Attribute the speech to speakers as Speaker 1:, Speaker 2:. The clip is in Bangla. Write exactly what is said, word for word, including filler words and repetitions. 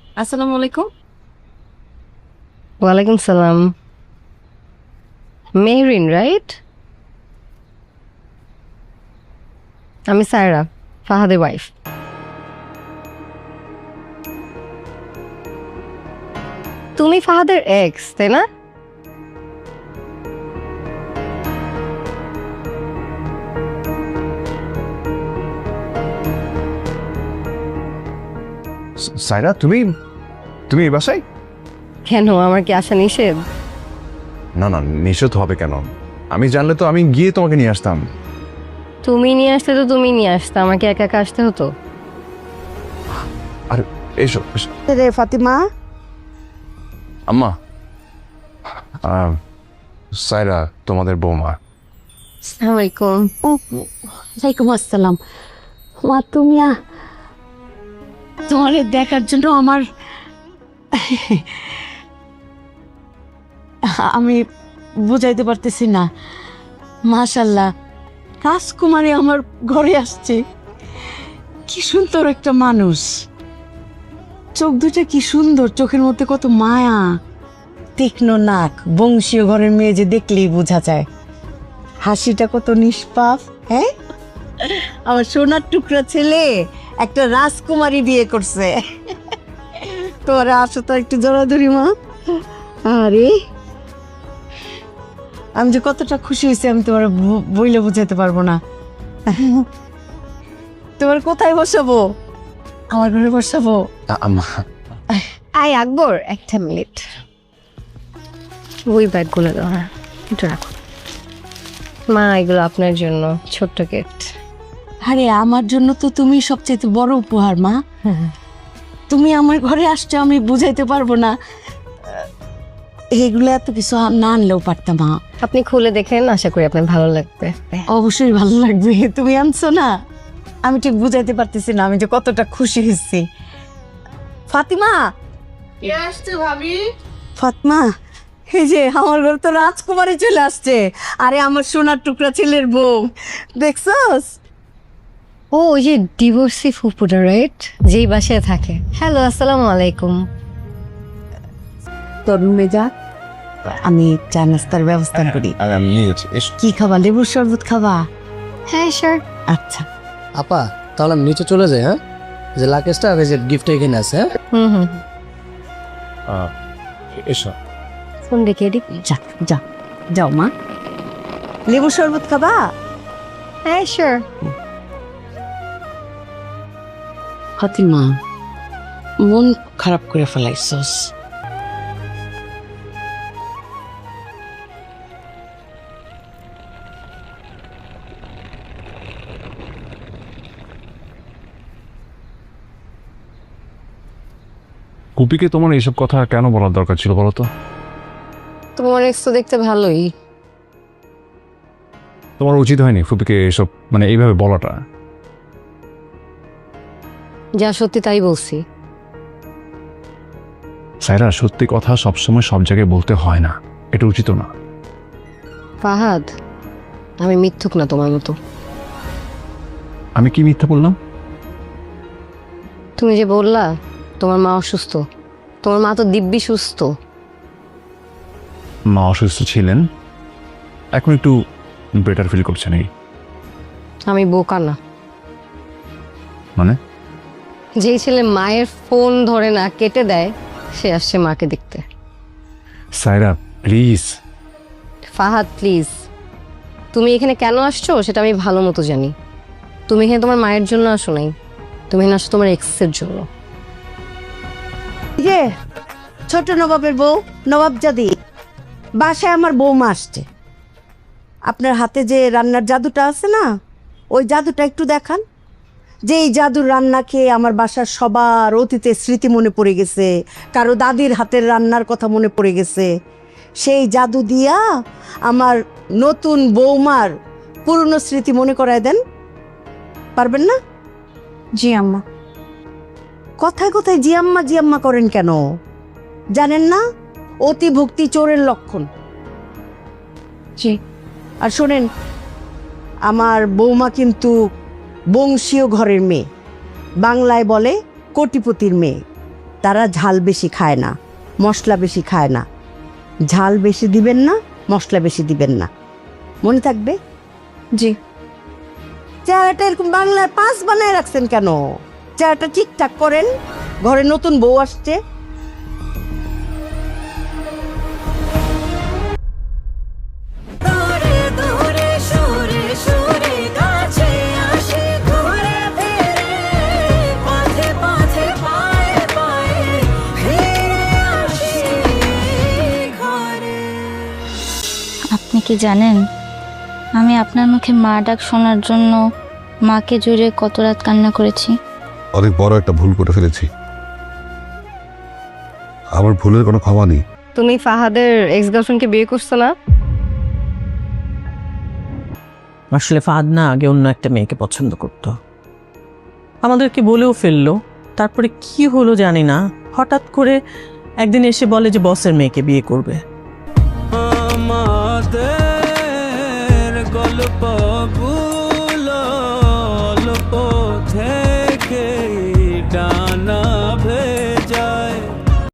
Speaker 1: আসসালামু আলাইকুম।
Speaker 2: ওয়ালাইকুম সালাম। মেহরিন রাইট? আমি সায়রা, ফাহাদের ওয়াইফ। তুমি ফাহাদের এক্স, তাই না?
Speaker 3: সায়রা, তুমি তুমি এই বাসায়?
Speaker 2: কেন, আমার কি আসা নিষেধ?
Speaker 3: না না, নিষেধ হবে কেন? আমি জানলে তো আমি গিয়ে তোমাকে নিয়ে আসতাম।
Speaker 2: তুমি নিয়ে আসতে তো তুমি নিয়ে আসতে, আমাকে একা একা আসতে হতো?
Speaker 3: আর এসো এসো।
Speaker 4: রে ফাতিমা,
Speaker 3: আম্মা, আহ, সায়রা তোমাদের বৌমা।
Speaker 2: আসসালামু আলাইকুম।
Speaker 4: ওয়ালাইকুম আসসালাম। মা তুমি আ- তোমার দেখার জন্য আমার আমি বুঝাইতে পারতেছি না। মাশাল্লাহ, রাজকুমারী আমার ঘরে আসছে। কি সুন্দর একটা মানুষ, চোখ দুটা কি সুন্দর, চোখের মধ্যে কত মায়া, তীক্ষ্ণ নাক, বংশীয় ঘরের মেয়ে যে দেখলেই বোঝা যায়। হাসিটা কত নিষ্পাপ। হ্যাঁ, আমার সোনার টুকরা ছেলে একটা রাজকুমারী বিয়ে করছে। তোরা আসো তো একটু জড়াধরি মা। আরে আমি যে কতটা খুশি হয়েছি আমি তোমার ব- বইলে বুঝাতে পারবো না। তোমার কোথায় বসাবো? আমার ঘরে বসাবো?
Speaker 3: আ- আম্মা,
Speaker 2: আই আকবর, একটা মিনিট। ওই ব্যাগগুলো দাও, হ্যাঁ একটু রাখো। মা, এগুলো আপনার জন্য ছোট্ট গিফট।
Speaker 4: আরে আমার জন্য তো তুমি সবচেয়ে বড় উপহার মা। তুমি আমার ঘরে আসছো, আমি বুঝাইতে পারবো না। এগুলো এত কিছু না আনলেও পারতাম মা।
Speaker 2: আপনি খুলে দেখেন, আশা করি আপনার ভালো লাগবে।
Speaker 4: অবশ্যই ভালো লাগবে, তুমি আনছো না। আমি ঠিক বুঝাইতে পারতেছি না আমি যে কতটা খুশি হয়েছি। ফাতিমা, ফাতিমা, এই যে আমার ঘরে তো রাজকুমারী চলে আসছে। আরে আমার সোনার টুকরা ছেলের বউ, দেখছস?
Speaker 2: ও, ওই যে ডিভোর্সি ফুপুটা রাইট, যেই বাসায় থাকে। হ্যালো, আসসালামু আলাইকুম।
Speaker 4: তোর রুমে যা, আমি চা নাস্তার ব্যবস্থা করি।
Speaker 3: আর আমি নিয়ে যাচ্ছি, এসো।
Speaker 4: কি খাবা, লেবুর শরবত খাবা?
Speaker 2: হ্যাঁ স্যার।
Speaker 4: আচ্ছা,
Speaker 5: আপা তাহলে আমি নিচে চলে যাই। হ্যাঁ, যে লাকেশটা আর এই যে গিফটটা এখানে আছে। হ্যাঁ,
Speaker 2: হুম হুম।
Speaker 3: আহ, এসো।
Speaker 2: ফোন রেখে এদিক।
Speaker 4: যা যা, যাও মা। লেবুর শরবত খাবা?
Speaker 2: হ্যাঁ স্যার।
Speaker 4: ফাতিমা, মন খারাপ করে ফেলাইছস।
Speaker 3: কুপিকে তোমার এইসব কথা কেন বলার দরকার ছিল বলো তো?
Speaker 2: তোমার এক্স তো দেখতে ভালোই।
Speaker 3: তোমার উচিত হয়নি ফুপিকে এসব মানে এইভাবে বলাটা।
Speaker 2: যা সত্যি তাই বলছি।
Speaker 3: সায়রা, সত্যি কথা সবসময় সব জায়গায় বলতে হয় না, এটা উচিত না।
Speaker 2: ফাহাদ, আমি মিথ্যুক না তোমার মতো।
Speaker 3: আমি কি মিথ্যা বললাম?
Speaker 2: তুমি যে বললা তোমার মা অসুস্থ, তোমার মা তো দিব্যি সুস্থ।
Speaker 3: মা অসুস্থ ছিলেন, এখন একটু বেটার ফিল করছে নাকি?
Speaker 2: আমি বোকা না।
Speaker 3: মানে?
Speaker 2: যেই ছেলে মায়ের ফোন ধরে না, কেটে দেয়, সে আসছে মাকে দেখতে।
Speaker 3: সায়রা প্লিজ।
Speaker 2: ফাহাদ প্লিজ, তুমি এখানে কেন আসছো সেটা আমি ভালো মতো জানি। তুমি এখানে তোমার মায়ের জন্য আসো নাই, তুমি এখানে আসো তোমার এক্সের জন্য।
Speaker 4: এই যে ছোট নবাবের বউ, নবাবজাদি, বাসায় আমার বৌমা আসছে। আপনার হাতে যে রান্নার জাদুটা আছে না, ওই জাদুটা একটু দেখান। যে এই জাদুর রান্না খেয়ে আমার বাসার সবার অতীতের স্মৃতি মনে পড়ে গেছে, কারো দাদির হাতের রান্নার কথা মনে পড়ে গেছে। সেই জাদু দিয়া আমার নতুন বৌমার পুরনো স্মৃতি মনে করায় দেন, পারবেন না?
Speaker 1: জি আম্মা।
Speaker 4: কথায় কথায় জিয়াম্মা জিয়াম্মা করেন কেন? জানেন না অতি ভক্তি চোরের লক্ষণ?
Speaker 1: জি।
Speaker 4: আর শোনেন, আমার বৌমা কিন্তু বংশীয় ঘরের মেয়ে, বাংলায় বলে কোটিপতির মেয়ে।
Speaker 6: তারা ঝাল বেশি খায় না, মশলা বেশি খায় না। ঝাল বেশি দিবেন না, মশলা বেশি দিবেন না, মনে থাকবে?
Speaker 1: জি।
Speaker 6: চেহারাটা এরকম বাংলার পাঁচ বানায় রাখছেন কেন? চেহারাটা ঠিকঠাক করেন, ঘরে নতুন বউ আসছে।
Speaker 7: আপনি কি জানেন আমি আপনার মুখে মা ডাক শোনার জন্য মাকে জুড়ে কত রাত কান্না করেছি?
Speaker 8: অনেক বড় একটা ভুল করে ফেলেছি, আমার ভুলের কোনো ক্ষমা নেই।
Speaker 2: তুমি ফাহাদের এক্স গার্লফ্রেন্ডকে বিয়ে করছো না?
Speaker 4: আসলে ফাহাদ না আগে অন্য একটা মেয়েকে পছন্দ করত, আমাদেরকে বলেও ফেললো। তারপরে কি হলো জানি না, হঠাৎ করে একদিন এসে বলে যে বসের মেয়েকে বিয়ে করবে।
Speaker 9: আমাদের গল্প